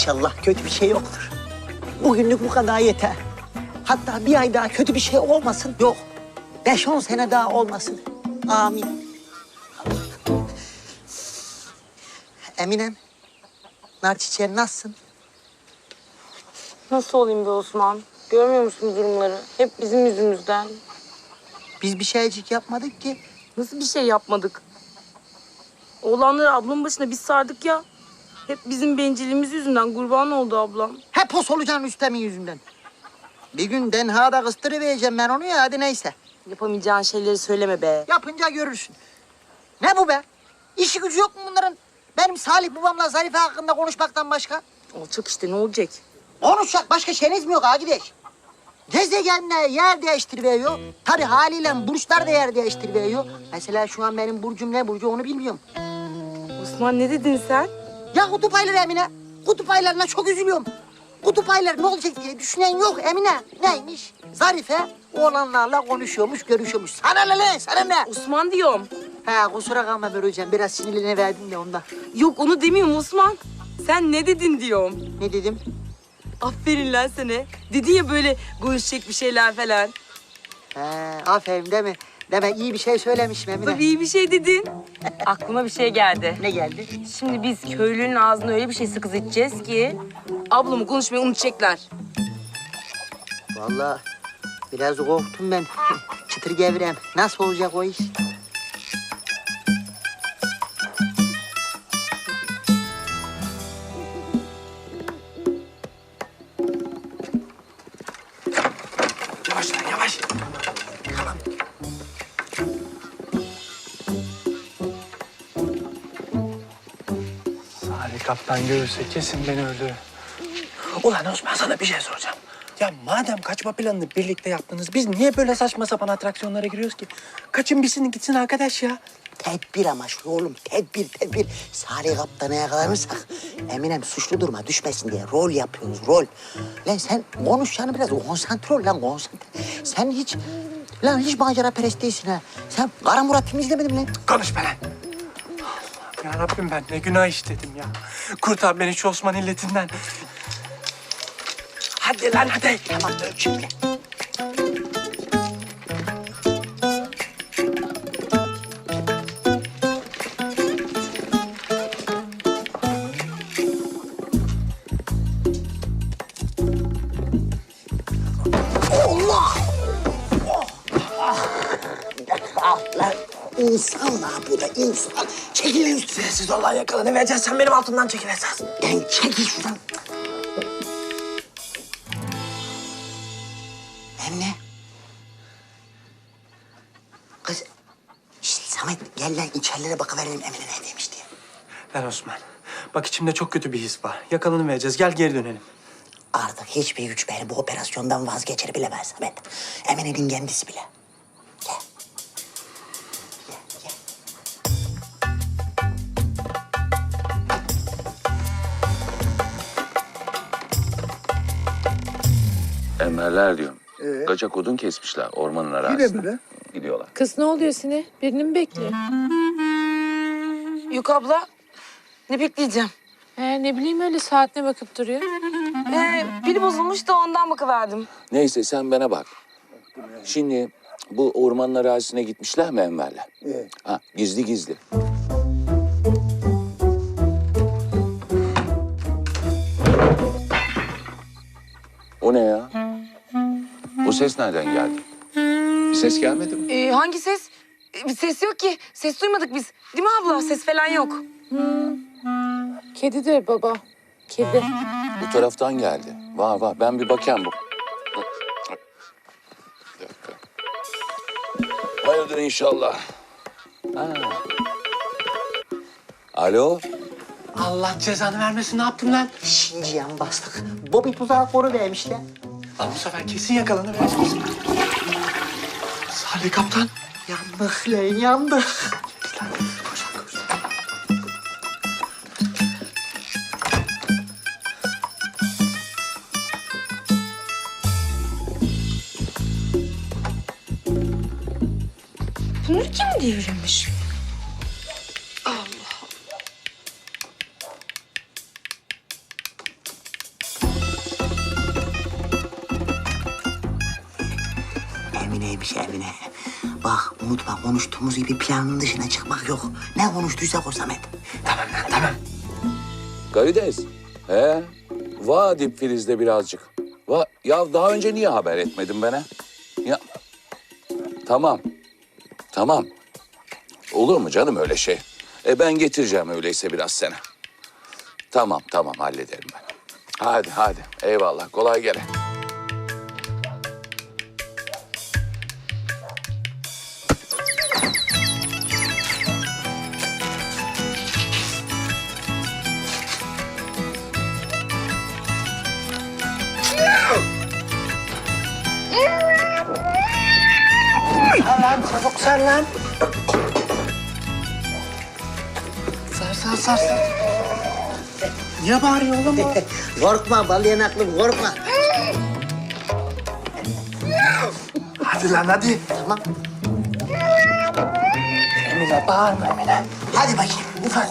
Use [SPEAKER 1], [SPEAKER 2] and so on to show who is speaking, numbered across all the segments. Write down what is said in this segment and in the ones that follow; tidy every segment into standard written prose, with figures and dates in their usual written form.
[SPEAKER 1] İnşallah kötü bir şey yoktur. Bugünlük bu kadar yeter. Hatta bir ay daha kötü bir şey olmasın. Yok. 5-10 sene daha olmasın. Amin. Eminem, nar çiçeğin nasılsın?
[SPEAKER 2] Nasıl olayım be Osman? Görmüyor musun durumları? Hep bizim yüzümüzden.
[SPEAKER 1] Biz bir şeycik yapmadık ki.
[SPEAKER 2] Nasıl bir şey yapmadık? Oğlanları ablamın başına biz sardık ya. Hep bizim bencilliğimiz yüzünden kurban oldu ablam.
[SPEAKER 1] Hep o solucan Rüstem'in yüzünden. Bir gün Den Haag'da kıstırıvereceğim ben onu ya, hadi neyse.
[SPEAKER 2] Yapamayacağın şeyleri söyleme be.
[SPEAKER 1] Yapınca görürsün. Ne bu be? İşi gücü yok mu bunların? Benim Salih babamla Zarife hakkında konuşmaktan başka.
[SPEAKER 2] Olacak işte, ne olacak?
[SPEAKER 1] Konuşacak başka şeyiniz mi yok arkadaş? Gezegenler yer değiştiriyor. Tabii haliyle burçlar da yer değiştiriyor. Mesela şu an benim burcum ne burcu onu bilmiyorum.
[SPEAKER 2] Osman ne dedin sen?
[SPEAKER 1] Ya kutup ayları Emine. Kutup aylarına çok üzülüyorum. Kutup ayları ne olacak diye düşünen yok Emine. Neymiş? Zarife oğlanlarla konuşuyormuş, görüşüyormuş. Sana ne lan, sana ne?
[SPEAKER 2] Osman diyorum.
[SPEAKER 1] Ha kusura kalma böyle hocam. Biraz sinirlerine verdim de ondan.
[SPEAKER 2] Yok onu demiyorum Osman. Sen ne dedin diyorum.
[SPEAKER 1] Ne dedim?
[SPEAKER 2] Aferin lan sana. Dedin ya böyle konuşacak bir şeyler falan.
[SPEAKER 1] Aferin değil mi? Demek iyi bir şey söylemişim Emine.
[SPEAKER 2] Tabii iyi bir şey dedin. Aklıma bir şey geldi.
[SPEAKER 1] Ne geldi?
[SPEAKER 2] Şimdi biz köylünün ağzına öyle bir şey sıkız edeceğiz ki... ablamı konuşmayı unutacaklar.
[SPEAKER 1] Vallahi biraz korktum ben. Çıtır gevrem. Nasıl olacak o iş?
[SPEAKER 3] Yavaş lan yavaş. Salih kaptan görürse kesin beni öldürür. Ulan Osman sana bir şey soracağım. Ya madem kaçma planını birlikte yaptınız, biz niye böyle saçma sapan atraksiyonlara giriyoruz ki? Kaçın bitsin gitsin arkadaş ya.
[SPEAKER 1] Tedbir amaçlı oğlum. Tedbir. Salih Kaptan'a yakalanırsak Eminem suçlu duruma düşmesin diye rol yapıyoruz, rol. Lan sen konuşacağını biraz konsantre ol lan, konsantre. Sen hiç macera perest değilsin ha. Sen Kara Murat filmi izlemedin mi lan?
[SPEAKER 3] Konuşma lan. Ya Rabbim ben ne günah işledim ya. Kurtar beni şu Osman illetinden. Hadi lan hadi.
[SPEAKER 1] Tamam dur şimdi. Allah! Lan insan var bu da insan. Çekil lan üstüne.
[SPEAKER 3] Sessiz ol lan yakalanı vereceğiz. Sen benim altımdan çekil esas.
[SPEAKER 1] Lan çekil şuradan. Emine. Kız. Şişt, Samet gel lan içerilere bakıverelim Emine neredeymiş diye.
[SPEAKER 3] Lan Osman. Bak içimde çok kötü bir his var. Yakalanı vereceğiz. Gel geri dönelim.
[SPEAKER 1] Artık hiçbir güç beni bu operasyondan vazgeçirebilemez Samet. Emine'nin kendisi bile. Gel. Gel.
[SPEAKER 4] Emerler diyorum. Kaçak odun kesmişler ormanın arasında. Gidiyorlar.
[SPEAKER 5] Kız ne oluyor Sine? Birini mi bekliyor?
[SPEAKER 2] Yok abla. Ne bekleyeceğim?
[SPEAKER 5] Ne bileyim öyle saatine bakıp duruyor.
[SPEAKER 2] Pili bozulmuş da ondan bakıverdim.
[SPEAKER 4] Neyse sen bana bak. Şimdi bu ormanın arazisine gitmişler mi Enver'le? Ha, gizli. O ne ya? O ses nereden geldi? Bir ses gelmedi mi?
[SPEAKER 2] Hangi ses? Bir ses yok ki. Ses duymadık biz. Değil mi abla? Ses falan yok.
[SPEAKER 5] Kedidir baba. Kedi.
[SPEAKER 4] Bu taraftan geldi. Var. Ben bir bakayım bu. Bir dakika. Hayırdır inşallah. Ha. Alo?
[SPEAKER 3] Allah cezanı vermesin. Ne yaptın lan?
[SPEAKER 1] Şinciyan bastık. Bobby tuzağı koru vermişler.
[SPEAKER 3] Lan bu sefer kesin yakalanı vereceğiz. Salih kaptan.
[SPEAKER 1] Yandık lan yandık.
[SPEAKER 3] Koş.
[SPEAKER 2] Bunu kim devirmiş?
[SPEAKER 1] güzelmiş Emine. Bak unutma konuştuğumuz gibi planın dışına çıkmak yok. Ne konuştuysak o Samet.
[SPEAKER 3] Tamam lan tamam.
[SPEAKER 4] Garides. He? Va dip Filiz'de birazcık. Va ya daha önce niye haber etmedin bana? Ya tamam. Tamam. Olur mu canım öyle şey? Ben getireceğim öyleyse biraz sana. Tamam tamam hallederim ben. Hadi eyvallah kolay gele.
[SPEAKER 3] Sar lan çabuk sar lan. Sar. Niye bağırıyor oğlum o?
[SPEAKER 1] Korkma bal yanaklım korkma.
[SPEAKER 3] Hadi lan hadi.
[SPEAKER 1] Tamam.
[SPEAKER 3] Emine bağırma Emine.
[SPEAKER 1] Hadi bakayım ufak.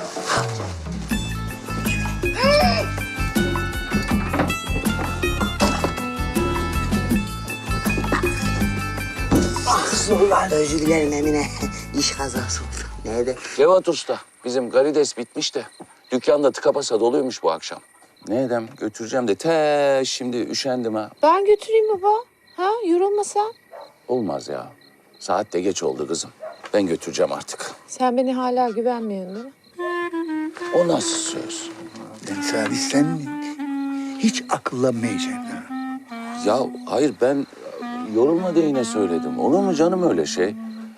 [SPEAKER 3] Ulan.
[SPEAKER 1] Özür dilerim Emine. İş kazası oldu. Neydi?
[SPEAKER 4] Cevat Usta, bizim Garides bitmiş de dükkanda tıka basa doluymuş bu akşam. Ne edem götüreceğim de şimdi üşendim ha.
[SPEAKER 5] Ben götüreyim baba. Ha yorulmasan.
[SPEAKER 4] Olmaz ya. Saat de geç oldu kızım. Ben götüreceğim artık.
[SPEAKER 5] Sen beni hala güvenmiyorsun değil mi?
[SPEAKER 4] O nasıl söz?
[SPEAKER 6] Ben Salih sen hiç akıllanmayacaksın. Ha?
[SPEAKER 4] Ya hayır ben yorulma diye yine söyledim. Olur mu canım öyle şey?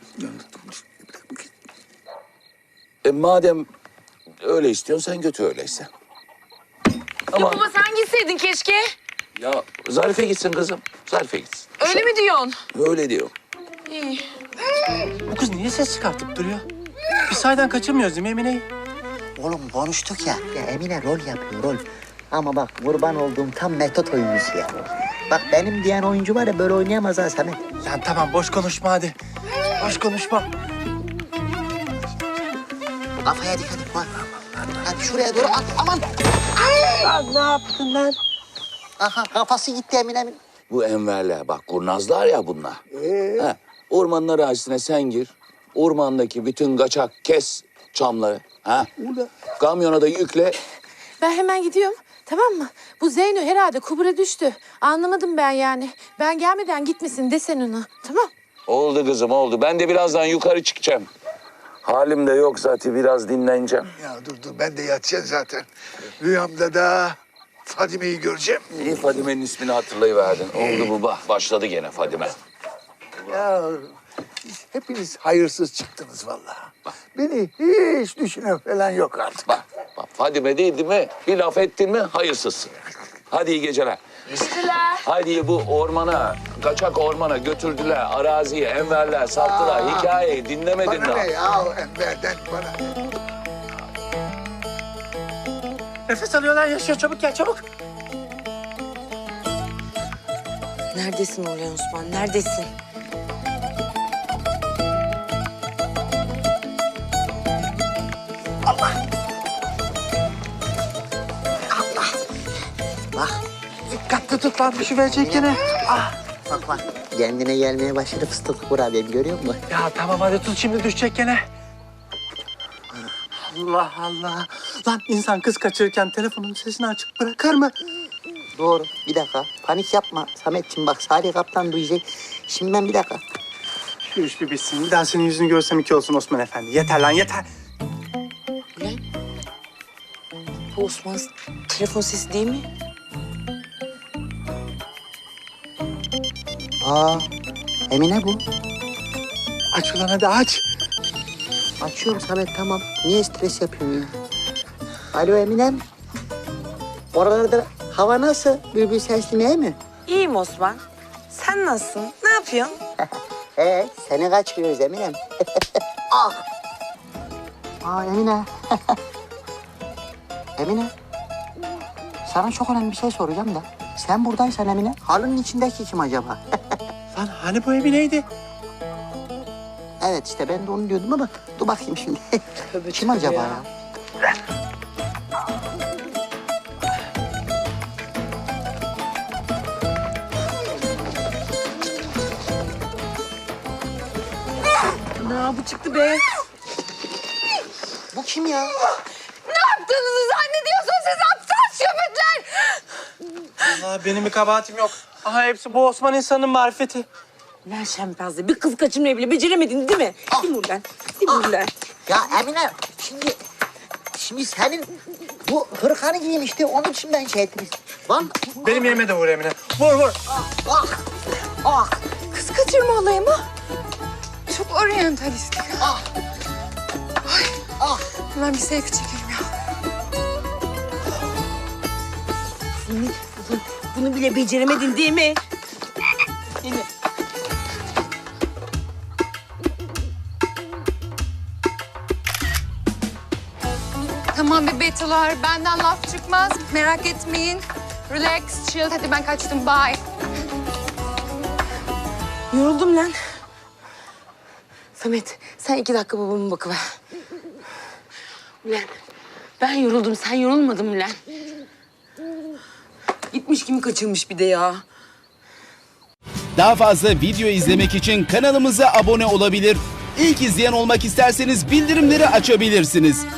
[SPEAKER 4] Madem öyle istiyorsun sen götür öyleyse. Ama
[SPEAKER 2] Baba sen gitseydin keşke.
[SPEAKER 4] ya Zarife gitsin kızım. Zarife gitsin.
[SPEAKER 2] Öyle mi diyorsun?
[SPEAKER 4] Öyle diyor.
[SPEAKER 2] İyi.
[SPEAKER 3] Bu kız niye ses çıkartıp duruyor? Biz sahiden kaçırmıyoruz değil mi Emine'yi?
[SPEAKER 1] Oğlum konuştuk ya. Ya Emine rol yapıyor rol. Ama bak kurban olduğum tam metot oyuncusu ya. Bak benim diyen oyuncu var ya böyle oynayamaz ha Samet.
[SPEAKER 3] Lan tamam boş konuşma hadi. Boş konuşma.
[SPEAKER 1] Kafaya dikkat et. Hadi şuraya doğru at. Aman.
[SPEAKER 3] Lan ne yaptın lan?
[SPEAKER 1] Aha kafası gitti Emine'min.
[SPEAKER 4] Bu enverler bak kurnazlar ya bunlar. Ha, ormanın arazisine sen gir. Ormandaki bütün kaçak kes çamları. Ha? Kamyona da yükle.
[SPEAKER 5] Ben hemen gidiyorum. Tamam mı? Bu Zeyno herhalde kubura düştü. Anlamadım ben yani. Ben gelmeden gitmesin desen ona. Tamam.
[SPEAKER 4] Oldu kızım oldu. Ben de birazdan yukarı çıkacağım. Halim de yok zaten biraz dinleneceğim.
[SPEAKER 6] Ya dur ben de yatacağım zaten. Rüyamda da Fadime'yi göreceğim.
[SPEAKER 4] İyi Fadime'nin ismini hatırlayıverdin. Oldu bu bak başladı gene Fadime.
[SPEAKER 6] Ya hepiniz hayırsız çıktınız vallahi. Beni hiç düşünen falan yok artık.
[SPEAKER 4] Bak Fadime değil mi? Bir laf ettin mi hayırsızsın. Hadi iyi geceler. Hadi bu ormana, kaçak ormana götürdüler. Araziyi, enverler, sattılar. Hikayeyi dinlemedin
[SPEAKER 6] Bana
[SPEAKER 4] daha.
[SPEAKER 6] ne ya Enver'den bana.
[SPEAKER 3] Nefes alıyorlar yaşıyor çabuk gel çabuk.
[SPEAKER 2] Neredesin Orhan Osman? Neredesin?
[SPEAKER 1] Bak
[SPEAKER 3] Dikkatli tut lan düşüverecek gene. Ah.
[SPEAKER 1] bak. Kendine gelmeye başladı fıstıklı kurabiyem görüyor musun?
[SPEAKER 3] Ya tamam hadi tut şimdi düşecek gene. Allah Allah. Lan insan kız kaçırırken telefonun sesini açık bırakır mı?
[SPEAKER 1] Doğru. Bir dakika. Panik yapma Sametciğim bak Salih Kaptan duyacak. Şimdi ben bir dakika.
[SPEAKER 3] Şu iş bir bitsin. Bir daha senin yüzünü görsem iki olsun Osman Efendi. Yeter lan yeter.
[SPEAKER 2] Bu Osman'ın telefon sesi değil mi?
[SPEAKER 1] Aa Emine bu.
[SPEAKER 3] Aç ulan hadi aç.
[SPEAKER 1] Açıyorum Samet tamam. Niye stres yapıyorsun ya? Alo Eminem. Oralarda hava nasıl? Bülbül sesli mi?
[SPEAKER 2] İyiyim Osman. Sen nasılsın? Ne yapıyorsun?
[SPEAKER 1] Seni kaçırıyoruz Eminem. Ah. Aa Emine. Emine. Sana çok önemli bir şey soracağım da. Sen buradaysan Emine, halının içindeki kim acaba?
[SPEAKER 3] Lan hani bu Emine'ydi?
[SPEAKER 1] Evet işte ben de onu diyordum ama dur bakayım şimdi. Kim acaba ya?
[SPEAKER 2] Ya bu çıktı be.
[SPEAKER 1] Bu kim ya?
[SPEAKER 5] Ne yaptığınızı zannediyorsunuz siz aptal şöbetler?
[SPEAKER 3] Allah benim bir kabahatim yok. Aha hepsi bu Osman insanın marifeti.
[SPEAKER 2] Lan şempazlı bir kız kaçırmayı bile beceremedin değil mi? Değil mi ulan? Değil mi ulan?
[SPEAKER 1] Ya Emine şimdi senin bu hırkanı giymişti. Onun için ben şey ettim. Lan
[SPEAKER 3] Benim yerime de vur Emine. Vur vur.
[SPEAKER 1] ah
[SPEAKER 5] Kız kaçırma olayı mı? Çok oryantalistik.
[SPEAKER 1] ah.
[SPEAKER 5] Hemen bir selfie çekelim ya.
[SPEAKER 2] Bunu bile beceremedin değil mi? Değil mi?
[SPEAKER 5] Tamam bebeğler, benden laf çıkmaz. Merak etmeyin. Relax, chill. Hadi ben kaçtım, bye.
[SPEAKER 2] Yoruldum lan. Samet sen 2 dakika babama bakıver. Ulan ben yoruldum sen yorulmadın mı lan? Gitmiş kimi kaçırmış bir de ya.
[SPEAKER 7] Daha fazla video izlemek için kanalımıza abone olabilir. İlk izleyen olmak isterseniz bildirimleri açabilirsiniz.